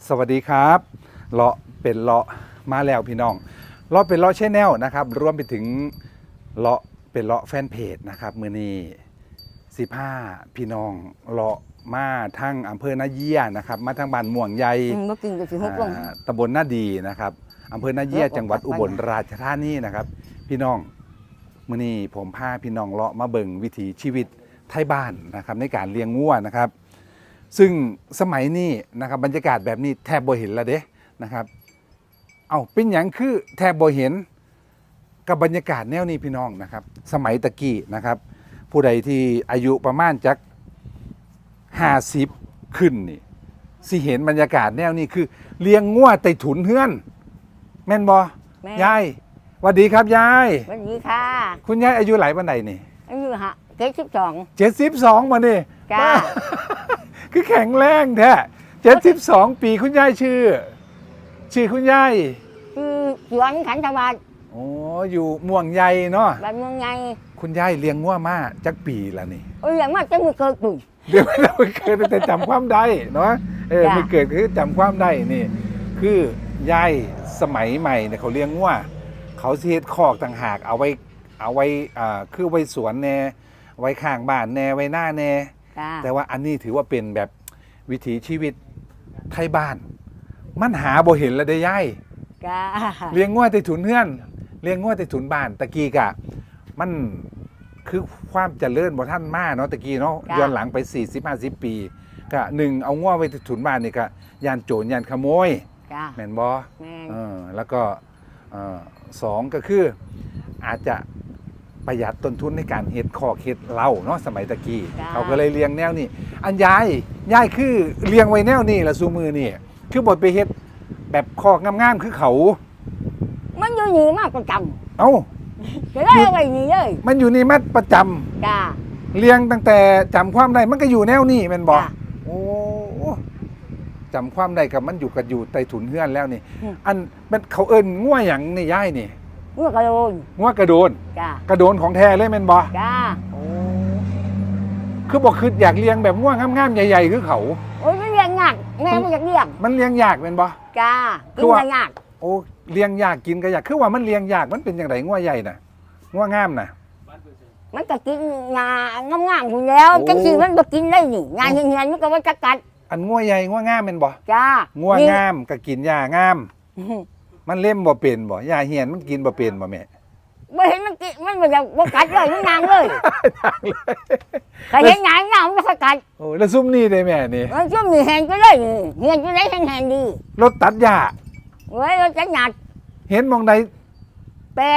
สวัสดีครับเลาะเป็นเลาะมาแล้วพี่น้องเลาะเป็นเลาะแชนแนลนะครับรวมไปถึงเลาะเป็นเลาะแฟนเพจนะครับมื้อนี้15พี่น้องเลาะมาทั้งอำเภอนาเยียนะครับมาทั้งบ้านม่วงใหญ่บ่กินก็สิฮกลงตำบลนาดีนะครับอำเภอนาเยียจังหวัดอุบลราชธานีนะครับพี่น้องมื้อนี้ผมพาพี่น้องเลาะมาเบิ่งวิถีชีวิตไทยบ้านนะครับในการเลี้ยงงัวนะครับซึ่งสมัยนี้นะครับบรรยากาศแบบนี้แทบบ่เห็นแล้วเด้นะครับเอาเป็นอย่างคือแทบบ่เห็นกับบรรยากาศแนวนี้พี่น้องนะครับสมัยตะกี้นะครับผู้ใดที่อายุประมาณจัก50ขึ้นนี่สิเห็นบรรยากาศแนวนี้คือเลี้ยงงัวใต้ถุนเฮือนแม่นบ่ยายสวัสดีครับยายสวัสดีค่ะคุณยายอายุหลายปานใดนี่อายุ72 72มานี่จ้าคือแข็งแรงแท้72ปีคุณยายชื่อคุณยายคือสวนขันธวัฒน์โอ้อยู่ม่วงใหญ่เนาะบ้านเมืองไงคุณยายเลี้ยงงัวมาจักปีละนี่อย่างมากจะมือเกิดตุ่ยเดี๋ยวเราเกิดแต่จำความได้เนาะจ้ะไม่เกิดคือจำความได้นี่คือยายสมัยใหม่เนี่ยเขาเลี้ยงงัวเขาสิเฮ็ดคอกต่างหากเอาไว้คือไว้สวนแน่ไว้ข้างบ้านแน่ไว้หน้าแน่จ้าแต่ว่าอันนี้ถือว่าเป็นแบบวิถีชีวิตไทยบ้าน มันหาบ่เห็นแล้วได้ย่ายจ้าเลี้ยงงัวใต้ถุนเฮือนเลี้ยงงัวใต้ถุนบ้านตะกี้กะมันคือความเจริญบ่ท่านมาเนาะตะกี้เนาะย้อนหลังไป40-50 ปีก็หนึ่งเอางัวไว้ใต้ถุนบ้านนี่ก็ยานโจรยานขโมยจ้าแม่นบ่แม่นแล้วก็สองก็คืออาจจะประหยัดต้นทุนในการเฮ็ดคอกเฮ็ดเล้าเนาะสมัยตะกี้เขาก็เลยเลี้ยงแนวนี้อันยายคือเลี้ยงไว้แนวนี้ละซูมือนี่คือบดไปเฮ็ดแบบคอกงามๆคือเขามันอยู่นี่มากประจเอ้าำจะได้เอาไว้นี่เลยมันอยู่นี่มาประจำจ้าเลี้ยงตั้งแต่จำความได้มันก็อยู่แนวนี้แม่นบ่จ้ะโอ้จำความได้กับมันอยู่ใต้ถุนเฮือนแล้วนี่ อันมันเขาเอิ้นงัวหยังนี่ยายนี่เมื่อกระโดนงัวกระโดนจ้ากระโดนของแท้เลยแม่นบ่จ้าคือบอกคืออยากเลี้ยงแบบง่วงงามๆใหญ่ๆคือเขาโอ้ยมันเลี้ยงยากแม่ไม่อยากเลี้ยงมันเลี้ยงยากเป็นบ่จ้าคืกิอน ว่าก็ยากโอ้เลี้ยงยากกินก็ยากคือว่ามันเลี้ยงยากมันเป็นอย่างไรง่วงใหญ่น่ะง่วงงามน่ะมันก็กินงางามๆอยู่แล้วโอ้จังสิมันบ่กินได้นี่งาเหียนๆมันก็ว่าจะกัดอันง่วงใหญ่ง่วงงามเป็นบ่จ้าง่วงงามก็กินหญ้างาม มันเล่มบ่เป็นบ่หญ้าเหียนมันกินบ่เป็นบ่แม่บ่เห็นมันกินมันบ่อยากบ่กัดเลยมันนางเลยก็เห็นหยังมันบ่ค่อยกัดโอ้แล้วซุ่มนี่ได้แม่นี่มันช่วงนี้แหงก็เลยนี่เหียนก็ได้แหงๆดีรถตัดหญ้าเว้ยเราจะหยัดเห็นหมองใดเป็น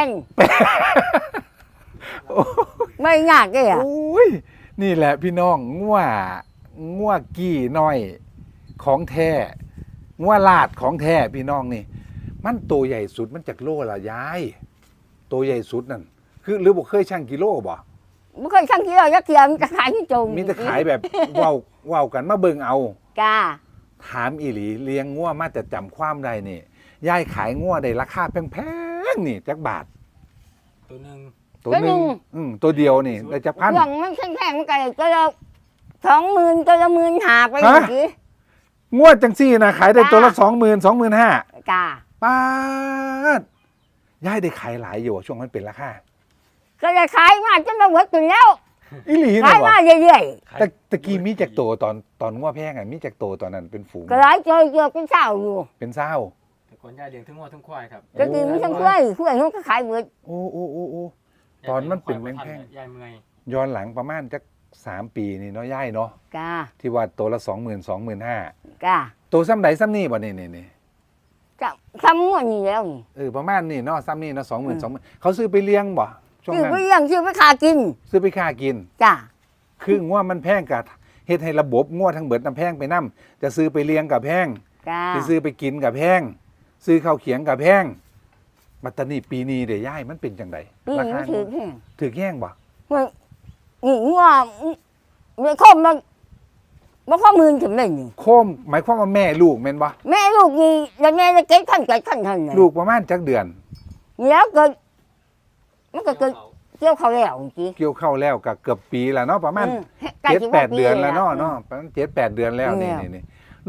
โอ้ไม่ยากเลยอ่ะโอ้ยนี่แหละพี่น้องง่วงกี้น้อยของแท้ง่วงลาดของแท้พี่น้องนี่ มันตัวใหญ่สุดมันจากโลละยายตัวใหญ่สุดนั่นคือหรือบอกเคยชั่งกิโลบ่บ่เคยชั่งกิโลยักเทียมจะขายที่จงมีแต่ขายแบบเว้ากันมาเบิ่งเอาจ้าถามอีหลีเลี้ยงงัวมาแต่จำความได้นี่ยายขายงัวได้ราคาแพงๆนี่จักบาทตัวหนึ่งตัวหนึงตัวเดียวนี่ได้จักพันเครื่องมันแข็งๆมันก็เลยก็ละ20,000ก็ละ15,000ไปฮะเมื่อกี้งัวจังซี่นะขายได้ตัวละ20,000-25,000 จ้าป้าดยายได้ขายหลายอยู่อะช่วงนั้นเป็นราคาก็จะขายมาจนมาหมดตัวแล้วอีหลีขานะยบ่มาเรื่อยแต่ตะกี้มีจากโตตอนงัวแพงอ่ะมีจากโตตอนนั้นเป็นฝูงๆก็หลายเจอเป็นเช้าอยู่เป็นเศร้าแต่ก่อนยายเลี้ยงทั้งวัวทั้งควายครับก็กินมันทั้งกล้วยเขาก็ขายหมดโอ้ตอนมันเป็นแพงยายเมื่อยๆย้อนหลังประมาณจัก3 ปีนี่เนาะย่ายเนาะจ้าที่ว่าตัวละ20,000-25,000 จ้าตัวซ้ำใดซ้ำนี่บ่นี่จะทำหมดนี่แล้วนี่ประมาณนี่เนาะซ้ำนี่เนาะ20,000เขาซื้อไปเลี้ยงบ่ช่วงชื่อนั้นไปเลี้ยงชื่อไปขากินซื้อไปค่ากินจ้าคืองัวมันแพงกะเฮ็ดให้ระบบงัวทั้งเบิดน้ำแพงไปนํจะซื้อไปเลี้ยงกับแพงจ้าสิซื้อไปกินกับแพงซื้อข้าวเขียงกับแพงบัตตานีปีนี้เดี๋ยวย่ายมันเป็นจังไดนี่รามัคานถือแค่ถือแย่งบ่นี่ว่าไม่คมมันบ่ข้อมือถึงเลยนี่โคมหมายความว่าแม่ลูกแม่นบ่แม่ลูกนี่แล้วแม่จะเก็บขั้นเลยลูกประมาณจักเดือนแล้วเกิดมันก็เกิดเกี่ยวเขาแล้วจริงเกี่ยวเข้าแล้วก็เกือบปีแล้วเนาะประมาณ7-8 เดือนแล้วเนาะประมาณ7-8 เดือนแล้วนี่ลูก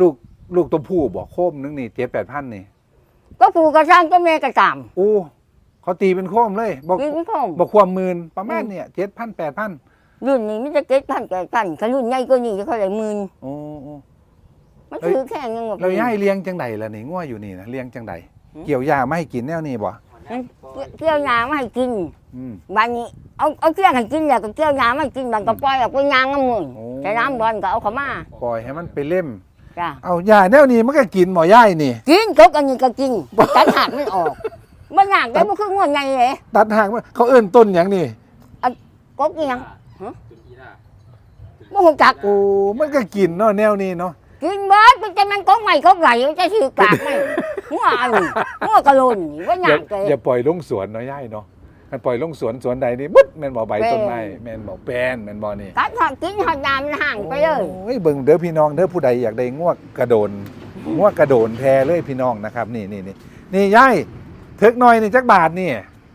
ลูกตัวผู้บ่โคมนึงนี่7-8,000นี่ก็ผูกกระช่างก็แม่กระตามโอ้เขาตีเป็นโคมเลยบอกกินข้องบอกความหมื่นประมาณเนี่ย7,000-8,000 รุ่นนี้มันจะ7,000-8,000ถ้ารุ่นใหญ่กว่านี้จะเท่าไหร่หมื่นโอ้โอ้มันถือแค่ยังแบบเราย้ายเลี้ยงจังใดล่ะนี่งัวอยู่นี่นะเลี้ยงจังใดเกี่ยวหญ้าไม่ให้กินแนวนี้บ่เกี่ยวหญ้ามาให้กินอืมบางนี้เอาเกี่ยวให้กินแล้วก็เกี่ยวหญ้ามาให้กินบางก็ปล่อยออกไปยางน้ำมือโอ้แต่น้ำบอลก็เอาเข้ามาปล่อยให้มันไปเล่มจ้ะเอาหญ้าแนวนี้มันก็กินหมอย่ายนี่กินกกอันนี้ก็กินตัดหักมันออกมันหนักได้บ่คือง่วนไงเลยตัดหางมันเขาเอิ้นต้นหยังนี่กกอีหยังตุนอีล่าบ่ฮู้จักโอ้มันก็กินเนาะแนวนี้เนาะกินเบิดมันจะมันกกใหม่กกไหลจะถือกากไหมหัวอันนี้หัวกะโลนนี่ว่าหอย่านักเลยอย่าปล่อยลงสวนเนาะย่ายเนาะมันปล่อยลงสวนใดนี่บึ๊ดแม่นบ่ใบต้นไม้แม่นบ่แปลนแม่นบ่นี่ตัดหอดกินหอดยามมันห่างไปเลยโอ้ยเบิ่งเด้อพี่น้องเด้อผู้ใดอยากได้งวกกระโดนงวกกระโดนแท้เลยพี่น้องนะครับนี่นี่ย่ายถึกหน่อยนี่จักบาทนี่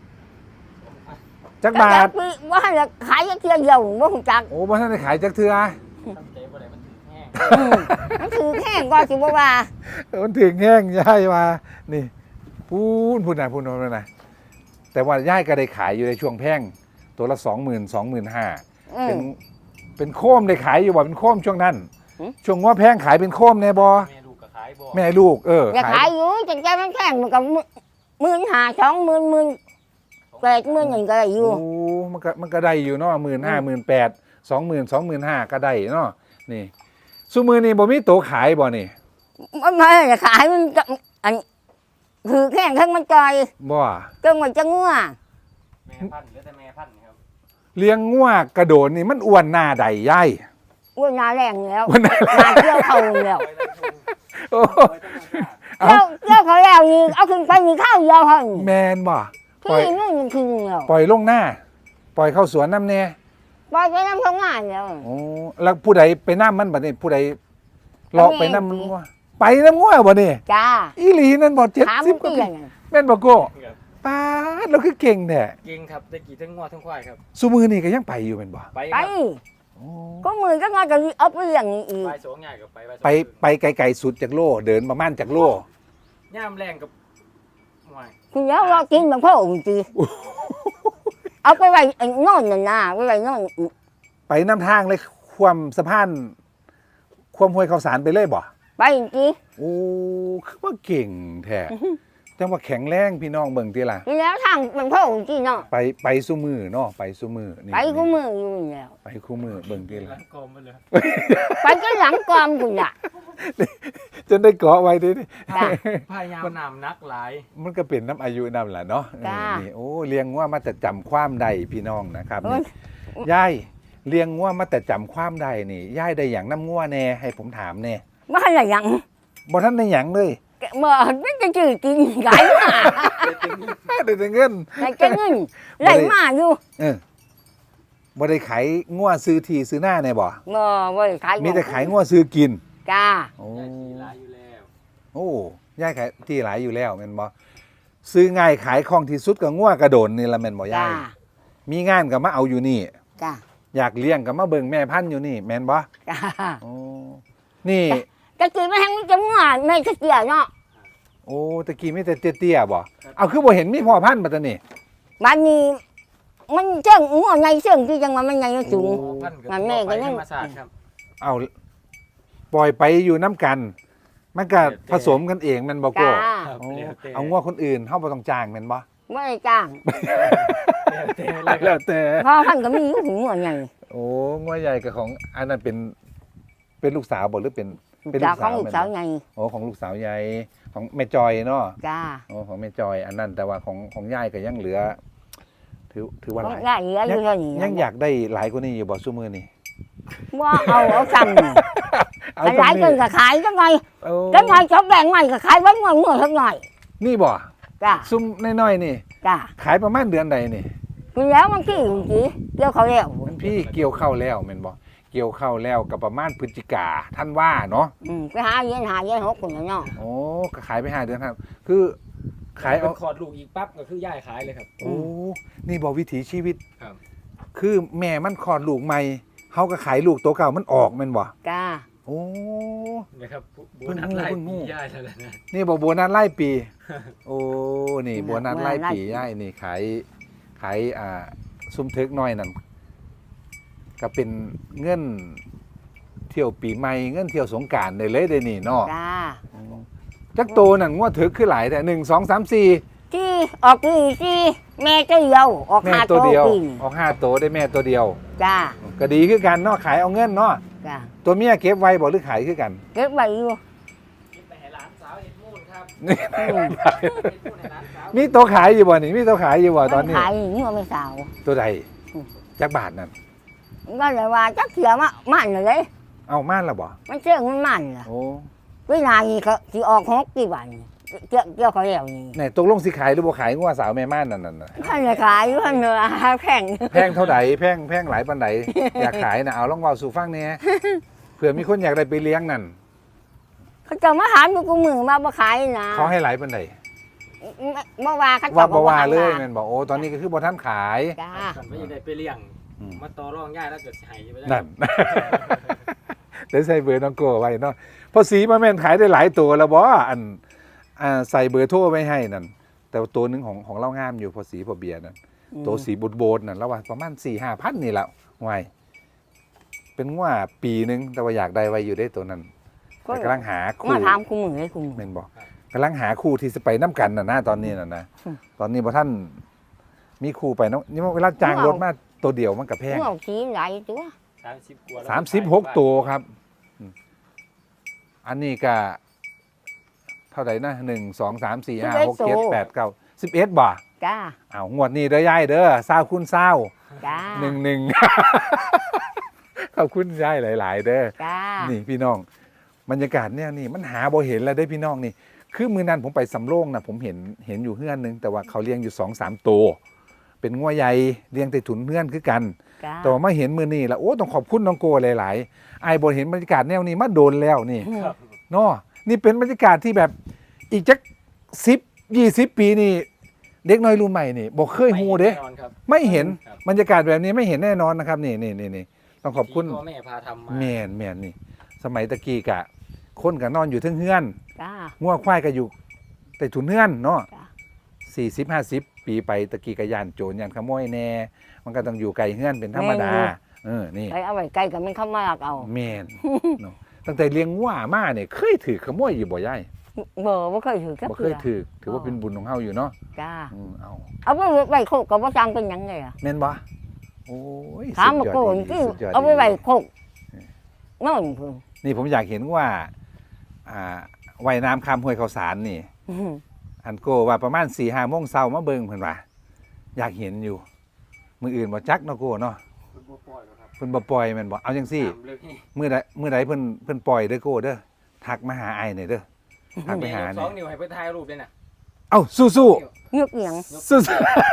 จักบาทว่าให้ละขายจักเที่ยวเดียวบ่ฮู้จักโอ้บ่ทันได้ขายจักเทื่อทำใจบ่ได้มันถือแห้งมันถือแห้งกว่าสิบ่ว่ามันถึงแห้งย่ายมานี่พูดนะแต่ว่าย่ายก็ได้ขายอยู่ในช่วงแพงตัวละ 20,000-25,000 อืมเป็นโคมได้ขายอยู่ว่าเป็นโคมช่วงนั้นหืมช่วงว่าแพงขายเป็นโคมแน่บอแม่ลูกก็ขายบ่แม่ลูกอย่าขายอยู่จังใจมันแข็งมันก็15,000 20,000 8,000อย่างก็ได้อยู่โอ้มันก็ได้อยู่เนาะ15,000 18,000 20,000 ก็ได้เนาะนี่ซุมือนี่บ่มีโตขายบ่นี่มันไม่ได้ขายมันก็อันถือแห้งทั้งมันจอยบ่จังว่าจะงัวแม่พันธุ์เหลือแต่แม่พันธุ์ครับเลี้ยงงัวกระโดดนี่มันอ้วนหน้าใดย่ายอ้วนหนาแรงแล้วอ้วนหน้าหนาเกี่ยวเขาแล้วโอ้เกี่ยวเขาแล้วนี่เอาขึ้นไปนี่ข้าวเดียวหั่นแมนบ่ปล่อยพี่นู่นมันคือแล้วปล่อยลงหน้า ปล่อยเข้าสวนน้ำแน่ปล่อยไปน้ำทำงานแล้วโอ้แล้วผู้ใดไปน้ำมันบัดนี้ผู้ใดเลาะไปน้ำมันแม่งัวไปน้ำงัวบ่นี่จ้าอีหลีนั่นบ่ถาม 70กเตี้ว่าย ปีนั่นแม่นบ่โก้ครับป้าดเราคือเก่งแท้เก่งครับได้กี่ทั้งงัวทั้งควายครับซุมือนี่ก็ยังไปอยู่แม่นบ่ไปคไปรับโอ้ก็มือก็งานจะเอาไปเลี้ยงนี่อีกไปสองใหญ่กับไปไปไกลๆสุดจากโลเดินประมาณจากโลย่ามแรงกับหวายคุณแล้วเรากินบางพ่อองค์จีเอาไปไว้ไอ้นอนน่ะนะไปไว้นอนไปน้ำทางเลยความสะพานความห้วยข้าวสารไปเลยบ่ไปจีโอ้คือว่าเก่งแท้จังว่าแข็งแรงพี่น้องเบิ่งติล่ะแล้วทางบางพ่อองค์จีเนาะไปซุมือเนาะไปซุมือนี่ไปกูมืออยู่แล้วไปคู่มือเบิ่งติหลัล่ะงกลมไปเลยไปก็หลังกอมคุณล่ะจนได้เกาะไว้ดิจ้ะพยายามนำนักหลายมันก็เป็นน้ำอายุนำแหละเนาะจ้านี่โอ้เลี้ยงว่ามาแต่จำความใดพี่น้องนะครับโอ้นี่ยยายเลี้ยงว่ามาแต่จำความใดนี่ยายได้อย่างน้ำงัวแน่ให้ผมถามแน่ไม่อะไรอย่างบ่ท่านได้หยังเลยเมื่อมันจะจืดกินไหลมาได้แต่เงินไหลจะเงินไหลมาอยู่เออบ่ได้ขายงัวซื้อที่ซื้อหน้าแน่บ่เมื่อวันขายมีแต่ขายงัวซื้อกินจ้าโอ้ได้ทีหลายอยู่แล้วโอ้ยายขายที่หลายอยู่แล้วแม่นบ่ซื้อง่ายขายคล่องที่สุดก็งัวกระโดนนี่ละแม่นบ่จ้ายายมีงานก็มาเอาอยู่นี่จ้าอยากเลี้ยงก็มาเบิ่งแม่พันธุ์อยู่นี่แม่นบ่จ้าโอ้นี่จะกินไม่แห้งมันจะง่วงไม่จะเกลียเนาะโอ้ตะกี้มีแต่เตี้ยๆบ่เอาคือบ่เห็นมีพ่อพันธุ์บัดตะนี่บ้านนี้มันเชิงง่วงไงเชิงที่จังหวะมันไงมันสูงโอ้พันธุ์กับมันแม่ก็ยังธรรมศาสตร์ครับเอาปล่อยไปอยู่น้ำกัน มันก็ผสมกันเองแมันบ่โก้จ้าครับโอ้แล้วแต่เอางัวคนอื่นเฮาบ่ต้องจ้างแม่นบ่ไม่ได้จ้างแล้วแต่เลยคแล้รับวแต่พอพันก็มีอยู่ถึงง่วงไงโอ้งัวใหญ่กับของอันนั้นเป็นลูกสาวบ่หรือเป็นจากของลูกสาวไงโอ้ของลูกสาวใหญ่ของแม่จอยเนาะจ้าโอ้ของแม่จอยอันนั้นแต่ว่าของยายก็ยังเหลือ ถือว่าหลายได้เหลืออยู่เท่านี้ยังอยากได้หลายกว่านี้อยู่บ่ซุมื้อนี้ว่าเอาซ้ำเอาหลายคนก็ขายจังไงโอ้จังไงชอบแบ่งใหม่ก็ขายไว้เมื่อสักหน่อยนี่บ่จ้าซุ่มน้อยๆนี่จ้าขายประมาณเดือนใดนี่คุณแล้วมันขี้จริงเกี่ยวเขาแล้วมันพี่เกี่ยวเข้าวแล้วแม่นบ่เกี่ยวเข้าวแล้วกับประมาณพฤศจิกาท่านว่าเนาะไปหาเย็นหกคนเนาะโอ้ก็ขายไป5 เดือนครับ คือขายเป็เอานคอร์ดลูกอีกปั๊บก็คือย่ายขายเลยครับโอ้นี่บ่วิถีชีวิตครับคือแม่มันคลอดลูกใหม่เฮาก็ขายลูกตัวเก่ามันออกแม่นบ่จ้าโอ้นะครับโบเพิ่งนัสงูไล่เพิ่งงูปีย่ายแล้วนะนี่บอกโบนัสไล่ปี โอ้นี่โบนัสไล่ปีย่ายนี่ขายซุ่มเทึกน้อยนั่นก็เป็นเงินเที่ยวปีใหม่เงินเที่ยวสงกรานต์ได้เลยเด้นี่เนาะจ้าจักโตนั่นงวดถึกคือหลายแต่1 2 3 4 ที่ออกที่ที่แม่ตัวเดียวออกแม่หาตัวเดียวปีนออก5โตได้แม่ตัวเดียวจ้าก็ดีคือกันเนาะขายเอาเงินเนาะจ้าตัวเมียเก็บไว้บ่หรือขายคือกันเก็บไว้อยู่คิดไปให้หลานสาวเห็ดมูนครับนี่อืมเห็ดมูนให้หลานสาวมีตัวขายอยู่บ่นี่มีตัวขายอยู่บ่ตอนนี้ขายอย่างนี้ว่าไม่สาวตัวใดอืมจักบาทนั่นก็เลยว่าจักเขียวมันเลยเอาม่านละบ่มันเชื่องมันเหรอโอ้วินาทีเขาที่ออกหกกี่วันเกี่ยวเขาแล้วนี่ไหนตกลงสิขายหรือบ่ขายงัวสาวแม่ม่านนั่นน่ะท่านจะขายอยู่ท่านเนื้อแพงแพงเท่าใดแพงหลายปานใดอยากขายน่ะเอาลองเว้าสู่ฟังแหน่เผื่อมีคนอยากได้ไปเลี้ยงนั่นเขาจะมาหาดูกูมือมาบ่ขายนะเขาให้หลายปานใดเมื่อวานเขาว่าจะบ่ว่าเลยแม่แม่นบ่โอ้ตอนนี้ก็คือบ่ทันขายจ้ากันไม่ได้ไปเลี้ยงอืมมาต่อรองย่ายแล้วเกิดสิใหายไปได้นั่น เดี๋ยวใส่เบอร์น้องโก้ไว้เนาะเพอสีมาแม่นขายได้หลายตัวแล้วบ่อันใส่เบอร์โทรไว้ให้นั่นแต่ว่าตัวหนึงของเรางามอยู่พอสีพอเบียร์นั่นตัวสีโบดๆนั่นแล้วว่าประมาณ 4-5 พันนี่แหละไว้เป็นว่าปีหนึงแต่ว่าอยากได้ไว้อยู่ได้ตัวนั้นแต่กำลังหาคู่มาถามกูมือให้กูมือแม่นบ่กำลังหาคู่ที่จะไปน้ำกันน่ะนะตอนนี้น่ะนะอืมตอนนี้บ่ท่านมีคู่ไปเนาะนี่เวลาจ้างรถมาตัวเดียวมันก็แพงเมื่อกี้ไหลตัว 30 กว่าแล้ว 36 ตัวครับอันนี้ก็เท่าไหร่นะ1 2 3 4 5 6 7 8 9 11บ่จ้าอ้าวงวดนี้เด้อยายเด้อ20คูณ20 จ้า 11 ขอบคุณยายหลาย ๆ เด้อจ้านี่พี่น้องบรรยากาศเนี่ยนี่มันหาบ่เห็นแล้วได้อพี่น้องนี่ คือมือนั้นผมไปสำโรงนะผมเห็นอยู่เฮือนนึงแต่ว่าเขาเลี้ยงอยู่2-3 ตัวเป็นงัวใหญ่เลี้ยงแต่ถุนเฮือนคือกันจ้าแต่ว่ามาเห็นมือนี่แล้วโอ้ต้องขอบคุณน้องโกหลายๆไอ้ายบ่เห็นบรรยากาศแนวนี้มาโดนแล้วนี่ครับเนาะนี่เป็นบรรยากาศที่แบบอีกจัก10-20 ปีนี่เด็กน้อยรุ่นใหม่นี่บ่เคยฮู้เด้แน่นอนครับไม่เห็นครับบรรยากาศแบบนี้ไม่เห็นแน่นอนนะครับนี่ต้องขอบคุณที่พ่อแม่พาทำมาแม่นนี่ สมัยตะกี้กะ คนกะนอนอยู่เทึงเฮือนจ้างัวควายก็อยู่แต่ถุนเฮือนเนาะจ้ะ 40-50 ปีไปตะกี้กะยานโจรยานขโมยแน่มันก็ต้องอยู่ไกลเฮือนเป็นธรรมดานี่ไปเอาไว้ใกล้กับมันเข้ามาลักเอาแม่นเนาะตั้งแต่เลี้ยงงัวมาเนี่ยเคยถือขโมยอยู่บ่ยายบ่เคยถือกับบ่เคยถือว่าเป็นบุญของเฮาอยู่เนาะจ้าเอาเอาไปโคกกับว่าจังเป็นหยังไงอ่ะแม่นบ่โอ้ยถามมาสุดยโกอดนดีที่สุดยดเอาไปดีไว้โคกนั่นพุ่นนี่ผมอยากเห็นว่าว่ายน้ำข้ามห้วยข้าวสารนี่ อันโกว่าประมาณ4-5 โมงเช้ามาเบิ่งเพิ่นว่าอยากเห็นอยู่ มืออื่นบ่จักเนาะโกเนาะคุณบ่ปล่อยหรอกครับเพิ่นบ่ปล่อยแม่นบ่เอาจังซี่น้ำลึกนี่มื้อใดเพิ่นปล่อยเด้อโกเด้อทักมาหาไอ้หน่อยเด้อทักไปหาสเนี่อย งนิ้วให้ไปถ่ายรูปด้วยนะเอ้าสู้เงือกเอียงๆสู้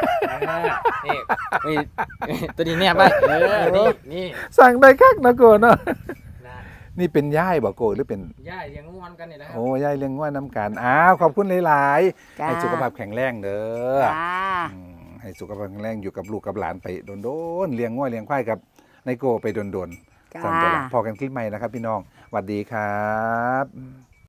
นี่ตัวนี้เนี่ยไปนี่ๆสั่งได้คักเนาะโกเนาะนะนี่เป็นย่ายบ่โกหรือเป็นย่าเลี้ยงง่วนกันนี่แหละครับโอ้ย่ายเลี้ยงง่วยน้ำกันอ้าวขอบคุณหลายๆจ้าให้สุขภาพแข็งแรงเด้อจ้าให้สุขภาพแข็งแรงอยู่กับลูกกับหลานไปโดนๆเลี้ยงง่วยเลี้ยงควายกับไนโกไปโดนๆจ้าสั่นตัวละพอกันคลิปใหม่นะครับพี่น้องสวัสดีครับ